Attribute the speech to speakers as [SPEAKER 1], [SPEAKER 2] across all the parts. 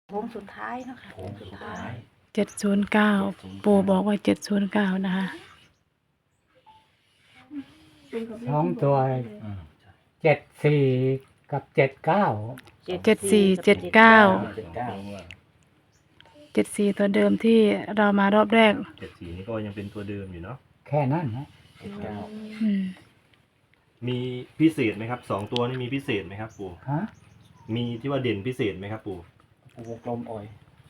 [SPEAKER 1] โค้งสุดท้ายเนาะค่ะ
[SPEAKER 2] โค้งสุดท้าย
[SPEAKER 3] 709ปู่บอกว่า709นะคะ
[SPEAKER 4] 2 ตัว
[SPEAKER 2] อืม
[SPEAKER 4] 74 กับ 79
[SPEAKER 3] 74 79 74ตัวเดิมที่เรามารอบแรก
[SPEAKER 5] 74นี่ก็ยังเป็นตัวเดิมอยู่เนาะ
[SPEAKER 4] แค่นั้นนะ
[SPEAKER 3] อืม
[SPEAKER 5] มีพิเศษไหมครับ2ตัวนี่มีพิเศษไหมครับปู่
[SPEAKER 4] ฮะ
[SPEAKER 5] มีที่ว่าเด่นพิเศษไหมครับปู่
[SPEAKER 2] ปูวงกลมอ่อย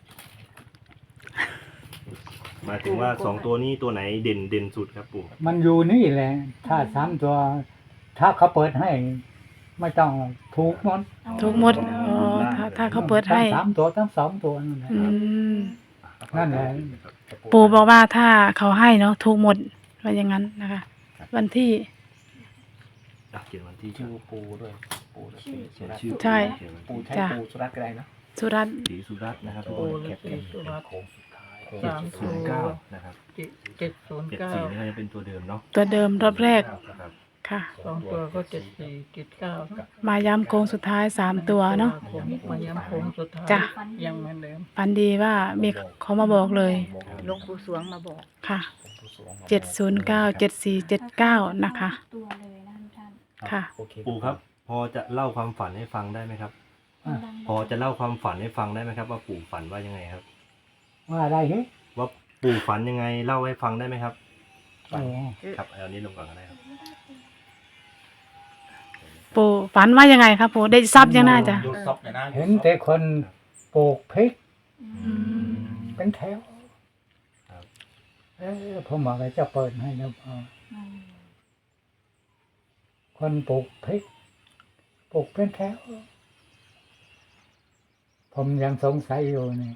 [SPEAKER 5] หมายถึงว่า2ตัวนี้ตัวไหนเด่นสุดครับปู่
[SPEAKER 4] มันอยู่นี่แหละ ถ้า3 ตัว ถ้าเขาเปิดให้ ไม่ต้องถูกหมด
[SPEAKER 3] ทุกหมดอ๋อถ้าเขาเปิดให้
[SPEAKER 4] ทั้ง3 ตัวทั้ง 2 ตัวนั่นแหละ
[SPEAKER 3] อืม
[SPEAKER 4] นั่นแหละ
[SPEAKER 3] ปู่บอกว่าถ้าเขาให้เนาะถูกหมดว่าอย่างนั้นนะคะ วันที่
[SPEAKER 5] เขียนวันที่
[SPEAKER 2] ชื่อปูด้วยปูด้วย
[SPEAKER 5] เขียนชื่อ
[SPEAKER 3] ใช่
[SPEAKER 5] เขียนวัน
[SPEAKER 2] ปู
[SPEAKER 5] ที่
[SPEAKER 2] ใช้
[SPEAKER 3] จ้ะ
[SPEAKER 2] ปูสุรัตน์ก็ได้นะ
[SPEAKER 3] สุรัตน์
[SPEAKER 5] ศรีสุรัตน์นะครับ
[SPEAKER 2] ปูและศรีสุรัตน์โค้งสุดท้าย
[SPEAKER 5] 709นะครับ
[SPEAKER 6] 709
[SPEAKER 5] 74นี่ก็ยังเป็นตัวเดิมเนาะ
[SPEAKER 3] ตัวเดิมรอบแรก
[SPEAKER 5] นะครับ
[SPEAKER 3] ค่ะ
[SPEAKER 6] 2 ตัวก็74 79
[SPEAKER 3] มาย้ำโค้งสุดท้าย3ตัวเนาะ
[SPEAKER 6] มาย้ำโค้งสุดท้าย
[SPEAKER 3] จ้ะ
[SPEAKER 6] ยังเหมือนเดิม
[SPEAKER 3] ปันดีว่ามีเขามาบอกเลย
[SPEAKER 1] หลวงปู่สวงมาบอก
[SPEAKER 3] ค่ะ709 7479นะคะ
[SPEAKER 1] ตัวเลยนะท่าน
[SPEAKER 3] ค่ะ
[SPEAKER 2] โอเค
[SPEAKER 5] ปู่ครับ พอจะเล่าความฝันให้ฟังได้ไหมครับ
[SPEAKER 4] อ่ะ
[SPEAKER 5] พอจะเล่าความฝันให้ฟังได้ไหมครับ ว่าปู่ฝันว่ายังไงครับ
[SPEAKER 4] ว่าอะไรเหรอ
[SPEAKER 5] ว่าปู่ฝันยังไงเล่าให้ฟังได้ไหมครับ
[SPEAKER 4] อ๋อ
[SPEAKER 5] ครับเอานี้ลงก่อนก็ได้ครับ
[SPEAKER 3] ปู่ฝันว่ายังไงครับปู่ได้ทรัพย์ยังน่าจะ
[SPEAKER 2] ดูซอกหน่อยนะ
[SPEAKER 4] เห็นแต่คนปลูกพริก
[SPEAKER 3] อืม
[SPEAKER 4] เป็นแถว
[SPEAKER 5] ครับ
[SPEAKER 4] ผมบอกว่าจะเปิดให้แล้วคนปลูกพริกปลูกเป็นแถว ผมยังสงสัยอยู่นี่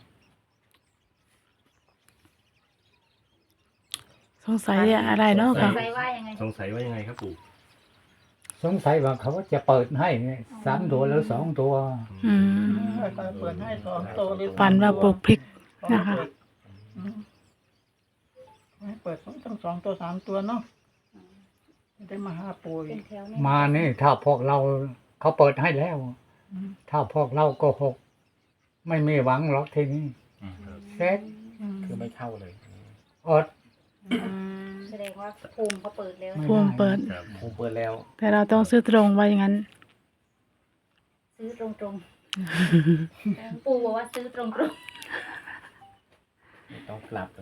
[SPEAKER 3] สงสัยอะไรเนาะ
[SPEAKER 1] ส
[SPEAKER 3] ค่ะ
[SPEAKER 1] งสัยว่ายังไง
[SPEAKER 5] สงสัยว่ายังไงครับปู่
[SPEAKER 4] สงสัยว่าเขาจะเปิดให้เนี่ย3 ตัวหรือ 2 ตัว
[SPEAKER 3] อืม
[SPEAKER 6] ให้เขาเปิดให้2ตัวหรือ
[SPEAKER 3] ฝันว่าปลูกพริกนะคะ
[SPEAKER 6] อืมให้เปิดทั้ง2 ตัว3 ตัวเนาะจะได้มาหาปู่
[SPEAKER 1] เป็
[SPEAKER 6] อี
[SPEAKER 1] น
[SPEAKER 6] ก
[SPEAKER 1] แถว
[SPEAKER 4] มานี่ถ้าพวกเราเขาเปิดให้แล้ว
[SPEAKER 6] อืม
[SPEAKER 4] ถ้าพวกเราโก็หก ไม่มีหวังหรอกทีนี้
[SPEAKER 2] อืม
[SPEAKER 4] เซ็ต
[SPEAKER 6] อืม
[SPEAKER 2] คือไม่เข้าเลย
[SPEAKER 4] อด
[SPEAKER 1] แสดงว่าภูมิเขาเปิดแล้ว
[SPEAKER 4] ไม่
[SPEAKER 3] ภูมิเปิด
[SPEAKER 5] ครับ
[SPEAKER 2] ปูเปิดแล้ว
[SPEAKER 3] แต่เราต้องซื้อตรงว่าอย่างนั้น
[SPEAKER 1] ซื้อตรงๆปู่บอกว่าซื้อตรง
[SPEAKER 2] ไม่ต้องกลับเลย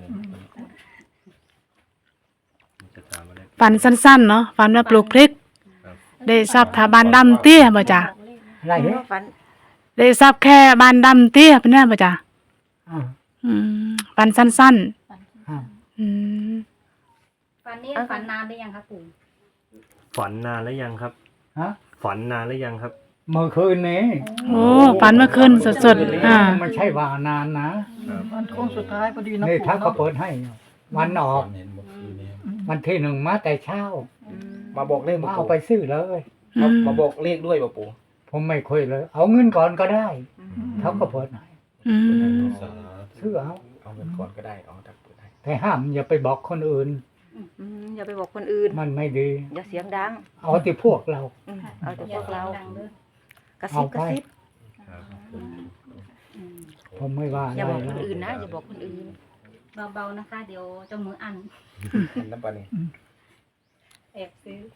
[SPEAKER 5] จะถามอะไร
[SPEAKER 3] ฝันสั้นๆเนาะฝันว่าปลูกพริก
[SPEAKER 5] ครับ
[SPEAKER 3] ได้ทรัพย์ถาบานดำเตี้ยบ่จ้ะ
[SPEAKER 4] อะไรเหรอ
[SPEAKER 1] ฝัน
[SPEAKER 3] ได้ทรัพย์แค่บานดำเตี้ยเป็นแน่บ่จ้ะ
[SPEAKER 4] อ่า
[SPEAKER 3] อืมฝันสั้น
[SPEAKER 4] อ่า
[SPEAKER 3] ๆอืม
[SPEAKER 1] ฝันนี้ฝันนานได้ยังคะปู่
[SPEAKER 5] ฝันนานแล้วยังครับ
[SPEAKER 4] ฮะ
[SPEAKER 5] ฝันนานแล้วยังครับ
[SPEAKER 4] เมื่อคืนนี้
[SPEAKER 3] โอ้ฝันเมื่อคืนสดๆ
[SPEAKER 4] ไม่ใช่ว่านานนะ
[SPEAKER 6] วันโค้งสุดท้ายพอดีนะ
[SPEAKER 4] นี่
[SPEAKER 6] ปู่
[SPEAKER 4] ถ้าเขา
[SPEAKER 6] เนาะ
[SPEAKER 4] เปิดให้ วันออก
[SPEAKER 2] เห็นเมื่อคืนนี้
[SPEAKER 4] วันที่ 1มาแต่เช้า
[SPEAKER 2] มาบอกเลข
[SPEAKER 4] มาเอาไปซื้อเลย
[SPEAKER 3] อืม
[SPEAKER 2] มาบอกเลขด้วยป่ะปู่
[SPEAKER 4] ผมไม่คุยเลย เอาเงินก่อนก็ได้เขาก็เปิดให้
[SPEAKER 3] อืม
[SPEAKER 4] ซื้อเอา
[SPEAKER 2] เอาเงินก่อนก็ได้เอาถ้าเปิดให้
[SPEAKER 4] แต่ห้ามอย่าไปบอกคนอื่น
[SPEAKER 1] อย่าไปบอกคนอื่น
[SPEAKER 4] มันไม่ดี
[SPEAKER 1] อย่าเสียงดัง
[SPEAKER 4] เอาที่พวกเรา
[SPEAKER 1] เอาแต่พวกเรากระซิ
[SPEAKER 4] เอา
[SPEAKER 1] บก
[SPEAKER 4] ไป
[SPEAKER 1] ระซิบ
[SPEAKER 5] ครับ
[SPEAKER 4] ผมไม่ว่า
[SPEAKER 1] อย่า
[SPEAKER 4] อะไร
[SPEAKER 1] บอกคน
[SPEAKER 4] นะ
[SPEAKER 1] อื่นนะอย่าบอกคนอื่นเบาๆนะคะ เดี๋ยวเจ้ามืออัน
[SPEAKER 2] เห็นน้ำปลานี่
[SPEAKER 1] แอบซื้อ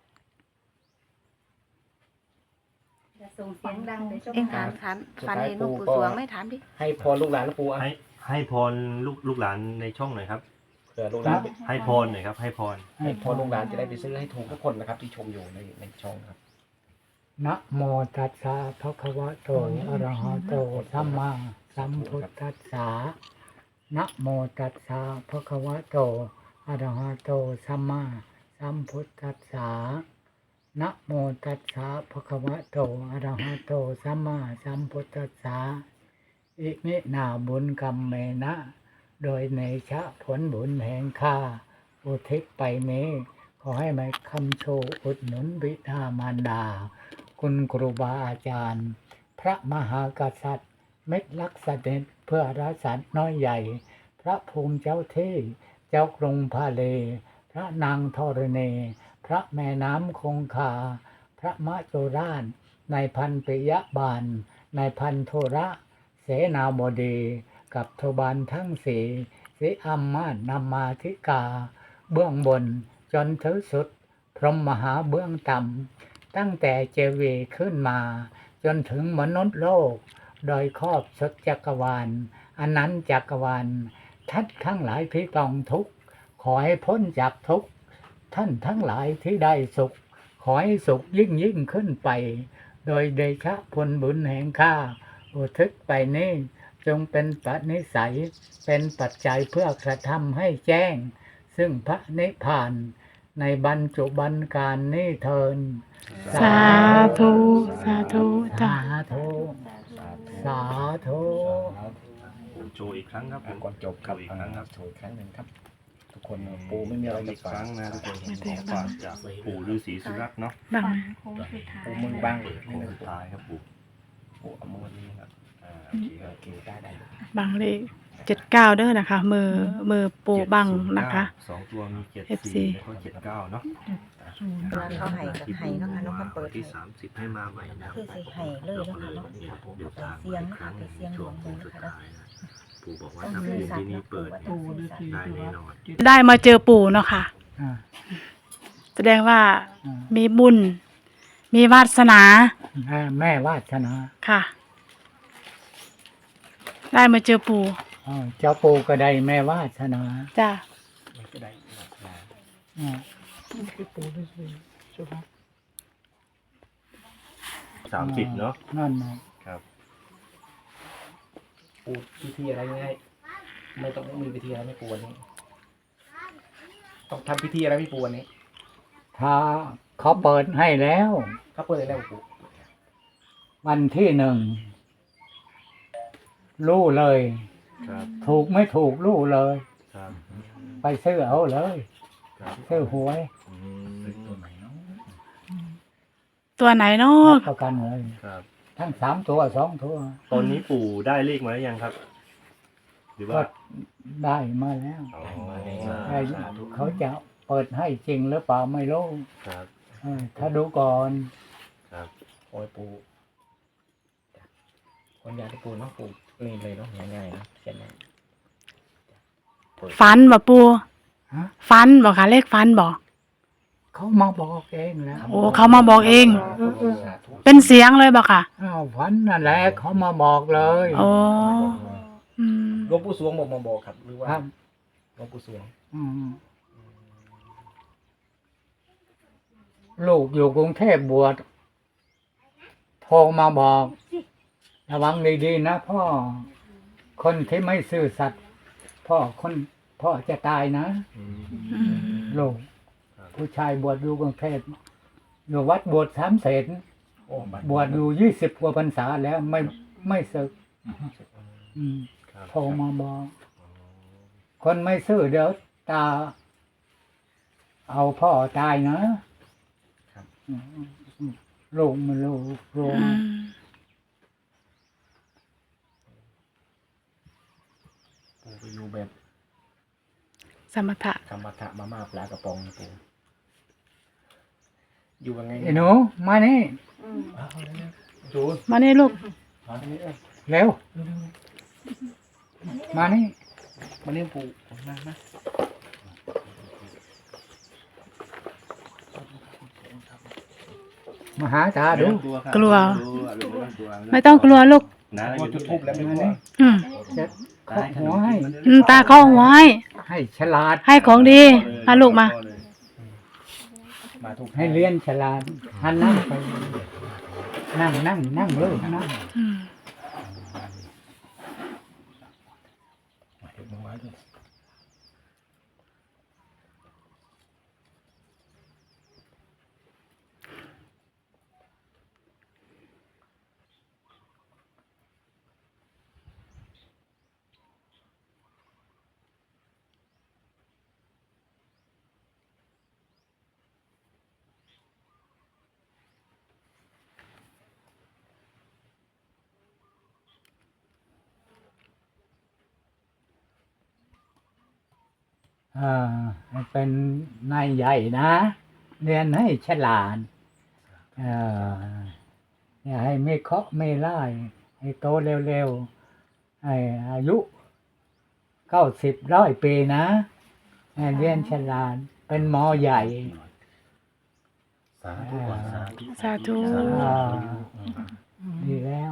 [SPEAKER 1] อย่าส่งเสียงดังเดี๋ยวเจ้า
[SPEAKER 7] เอ็ง
[SPEAKER 1] มือ
[SPEAKER 7] ถา
[SPEAKER 1] อั
[SPEAKER 7] ม
[SPEAKER 1] น
[SPEAKER 7] ฝันเห็นหลวงปู่สวงไหม่ถามดิ
[SPEAKER 2] ให้พรลูกหลานแล้วปู่อ่ะ
[SPEAKER 5] ให้พรลูกหลานในช่องหน่อยครับ
[SPEAKER 2] เผื่อลูกหลาน
[SPEAKER 5] ให้พรหน่อยครับ ให้พร
[SPEAKER 2] ให้พรลูกหลานจะได้ไปซื้อให้ถูกทุกคนนะครับ ที่ชมอยู่ในช่องครับ
[SPEAKER 4] นะโมตัสสะภะคะวะโตอะระหะโตสัมมาสัมพุทธัสสะนะโมตัสสะภะคะวะโตอะระหะโตสัมมาสัมพุทธัสสะนะโมตัสสะภะคะวะโตอะระหะโตสัมมาสัมพุทธัสสะอิมินาบุญกรรมเมนะ โดยในชะผลบุญแห่งข้าอุทิศไปนี้ ขอให้มาคำโชว์อุดหนุนบิดามารดา คุณครูบาอาจารย์ พระมหากษัตริย์ เม็ดลักษณ์เสด็จเพื่อรักษาน้อยใหญ่ พระภูมิเจ้าที่เจ้ากรุงพาเล พระนางธรณีพระแม่น้ำคงคา พระมะโจรานนายพันปิยบาลนายพันโทระ เสนาบดีกับทบาลทั้งสี่สิอัมมาตนามาธิกา เบื้องบนจนถึงสุด พรหมมหาเบื้องต่ำตั้งแต่เจวีขึ้นมา จนถึงมนุษย์โลก โดยครอบสุดจักรวาลอนันต์จักรวาลท่านทั้งหลายที่ต้องทุกข์ขอให้พ้นจากทุกข์ท่านทั้งหลายที่ได้สุข ขอให้สุขยิ่งขึ้นไป โดยเดชะผลบุญแห่งข้าอุทิศไปนี้จงเป็นปัจนิสัยเป็นปัจจัยเพื่อกระทำให้แจ้ง ซึ่งพระนิพพานในบรรจุบันการนี้เทิน
[SPEAKER 3] สาธุสาธุจ้ะ
[SPEAKER 4] สาธุสาธุ
[SPEAKER 5] ผมโชว์อีกครั้งครับผม
[SPEAKER 2] ก่อนจบครับ
[SPEAKER 5] โชว์อีกครั้งครับ
[SPEAKER 2] โชว์อีกครั้งหนึ่งครับ ทุกคนปูไม่มีอะไร
[SPEAKER 5] อี
[SPEAKER 2] จะ
[SPEAKER 5] กค
[SPEAKER 2] ฝา
[SPEAKER 5] รั้
[SPEAKER 2] ก
[SPEAKER 5] งนะทุกคนของฝากจากปู่ฤาษีสุรัตน์เนาะ
[SPEAKER 3] บัง
[SPEAKER 1] โค้งสุดท้าย
[SPEAKER 2] ปูมือบ้าง
[SPEAKER 5] โค้งสุดท้ายครับปู่
[SPEAKER 2] ปูเอามือนี้ครับ
[SPEAKER 5] โอเคครับ
[SPEAKER 2] โอเคได้
[SPEAKER 3] บังเลข79เด้อนะคะ มือปูบังนะคะ
[SPEAKER 5] สองตัวมี
[SPEAKER 3] FC
[SPEAKER 5] 74แล้วก็79เนาะ
[SPEAKER 7] เวลาเขาให้ก็ให้เนาะค่ะเนาะเขาเปิด
[SPEAKER 5] ที่
[SPEAKER 7] ให้
[SPEAKER 5] 30ให้มาใหม่นะครับ
[SPEAKER 7] คือสิให้เลยเนาะค่ะเนาะ
[SPEAKER 5] เดี๋ยวตาม
[SPEAKER 7] เสียง
[SPEAKER 5] อีกครั้งหนึ่ง
[SPEAKER 7] เสียง
[SPEAKER 5] ช่วง
[SPEAKER 7] หลวงปู่
[SPEAKER 5] สุด
[SPEAKER 7] นะคะ
[SPEAKER 5] ท้ายนะปู่บอกว่าถ้าคืนที่นี้เปิด
[SPEAKER 6] ปูฤาษี
[SPEAKER 5] ได้
[SPEAKER 6] สุ
[SPEAKER 5] แน่
[SPEAKER 6] รัต
[SPEAKER 5] น
[SPEAKER 6] น์
[SPEAKER 5] อน
[SPEAKER 3] ได้มาเจอปู่เนาะค่ะ
[SPEAKER 4] อ่า
[SPEAKER 3] แสดงว่า
[SPEAKER 4] อ่า
[SPEAKER 3] มีบุญ มีวาสนา
[SPEAKER 4] แม่วาสนา
[SPEAKER 3] ค่ะ ได้มาเจอปู่
[SPEAKER 4] เจ้าปู่ก็ได้แม่วาสนา
[SPEAKER 3] จ้ะ
[SPEAKER 2] ไม่ก็ได้มา
[SPEAKER 4] อ่า
[SPEAKER 6] นี่คือปูฤาษีสุรัตน์
[SPEAKER 5] 30เนาะ
[SPEAKER 4] นั่นนะ
[SPEAKER 5] ครับ
[SPEAKER 2] ปูพิธีอะไรง่ายไม่ต้องมีพิธีอะไรไม่ปูวันนี้ต้องทำพิธีอะไรไม่ปูวันนี้
[SPEAKER 4] ถ้าเขาเปิดให้แล้ว
[SPEAKER 2] เขาเปิดแล้วปู
[SPEAKER 4] วันที่1รู้เลย
[SPEAKER 5] ครับ
[SPEAKER 4] ถูกไม่ถูกรู้เลย
[SPEAKER 5] ครับ
[SPEAKER 4] ไปซื้อเอาเลย
[SPEAKER 5] ครับ
[SPEAKER 4] ซื้อหวย
[SPEAKER 5] อืม
[SPEAKER 3] ตัวไหนเนาะ
[SPEAKER 4] ประกันเลย
[SPEAKER 5] ครับ
[SPEAKER 4] ทั้ง3 ตัว 2 ตัว
[SPEAKER 5] ตอนนี้ปู่ได้เลขมาหรือยังครับ หรือ
[SPEAKER 4] ก็
[SPEAKER 5] ว่า
[SPEAKER 4] ได้มาแล้ว
[SPEAKER 5] อ๋อ
[SPEAKER 4] แต่เขาจะเปิดให้จริงหรือเปล่าไม่รู้
[SPEAKER 5] ครับ
[SPEAKER 4] ถ้าดูก่อน
[SPEAKER 5] ครับ
[SPEAKER 2] โอ้ยปูคนยาที่ปูเนาะปูนี่เลยเนาะง่ายๆนะเขียนเลย
[SPEAKER 3] ฟันบ่ปู่
[SPEAKER 4] ฮะ
[SPEAKER 3] ฟันบ่ค่ะเลขฟันบ่
[SPEAKER 4] เขามาบอกเองแล้ว
[SPEAKER 3] โอ้เขามาบอกเอง
[SPEAKER 2] สาธุ
[SPEAKER 3] เป็นเสียงเลยบ่ค่ะ
[SPEAKER 4] ฝันนั่นแหละเขามาบอกเลย
[SPEAKER 3] โอ้อืม
[SPEAKER 2] หลวงปู่สวงบอกมาบอกครับหรือว่า
[SPEAKER 4] ครับ
[SPEAKER 2] หลวงปู่สวง
[SPEAKER 4] อืมลูกอยู่กรุงเทพบวชโทรมาบอกระวังดีๆนะพ่อ คนที่ไม่ซื่อสัตย์พ่อจะตายนะ
[SPEAKER 5] อืม
[SPEAKER 3] อืม
[SPEAKER 4] ลูก
[SPEAKER 5] ครับ
[SPEAKER 4] ผู้ชายบวชอยู่กรุงเทพอยู่วัดบวช3 เสน
[SPEAKER 2] โอ้บัตร
[SPEAKER 4] บวชอยู่20 กว่าพรรษาแล้วไม่ศึกอืม
[SPEAKER 5] ครับ
[SPEAKER 4] โทรมาบอก คนไม่ซื่อเดี๋ยวตา เอาพ่อตายนะลูกมันลูก
[SPEAKER 3] อืม
[SPEAKER 2] ปูไปอยู่แบบ
[SPEAKER 3] สมถะ
[SPEAKER 2] ธรรมะมาม่าปลากระป๋องนะปูอยู่ยังไง
[SPEAKER 4] ไอ้หนูมานี่
[SPEAKER 2] จู
[SPEAKER 3] มานี่ลูก
[SPEAKER 4] เร็ว มานี่
[SPEAKER 2] มาเลี้ยงปูมา
[SPEAKER 4] มาหาตาดู
[SPEAKER 3] กลัว
[SPEAKER 5] ไม่
[SPEAKER 3] ไม่ต้องกลัวลูก
[SPEAKER 5] นะ
[SPEAKER 2] พอจุดทูบแล้วไม่
[SPEAKER 4] มา
[SPEAKER 2] รู้
[SPEAKER 4] นี่
[SPEAKER 3] อืม
[SPEAKER 4] จะเคาะหัวให้
[SPEAKER 3] ตาเข้าหัวให้
[SPEAKER 4] ให้ฉลาด
[SPEAKER 3] ให้ของดีมาลูกมา
[SPEAKER 2] มาถูก
[SPEAKER 4] ให้เรียนฉลาดหันนั่งไป นั่งเลยนั่ง
[SPEAKER 3] อืม
[SPEAKER 2] มาถูกมาไว้ด้วย
[SPEAKER 4] ให้เป็นนายใหญ่นะ เรียนให้ฉลาดอย่าให้ไม่เคาะไม่ไล่ให้โตเร็วอายุ90-100 ปีนะให้เรียนฉลาดเป็นหมอใหญ่
[SPEAKER 8] สาธุก่อนสาธุ
[SPEAKER 3] สาธุ
[SPEAKER 4] อ่าดีแล้ว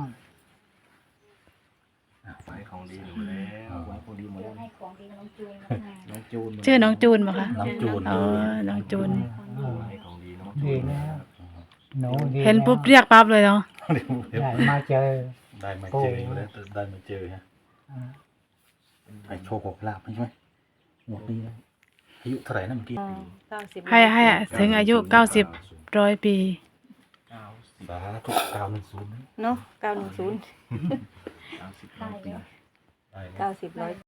[SPEAKER 5] ไว้ของดีหนูแล้ว
[SPEAKER 2] ไว้พอดีหมด
[SPEAKER 1] เพื่
[SPEAKER 2] แล้
[SPEAKER 1] อ
[SPEAKER 2] ว
[SPEAKER 1] ให้ของดีน้องจูนมา
[SPEAKER 2] น้องจูน
[SPEAKER 3] ชื่อน้องจูนบ่คะ
[SPEAKER 8] น้องจูน
[SPEAKER 3] อ๋อน้องจูน
[SPEAKER 5] ไว้ของดีเนาะ
[SPEAKER 4] ดีแล้วหนูดี
[SPEAKER 3] เห็นปุ๊บเรียกปั๊บเลยเนาะ
[SPEAKER 4] ได้มาเจอ
[SPEAKER 8] ได้มาเจอแล้วได้มาเจอฮะ
[SPEAKER 4] อ่า
[SPEAKER 8] ให้โชคลาภใช่ไหมหมดปีแล้วอายุเท่าไหร่นะเมื่อกี้
[SPEAKER 3] ให้ถึงอายุ90-100 ปี
[SPEAKER 8] สาธุ910
[SPEAKER 7] เนาะ910
[SPEAKER 1] ได้แล้ว
[SPEAKER 8] ได้แล้ว
[SPEAKER 7] 90 100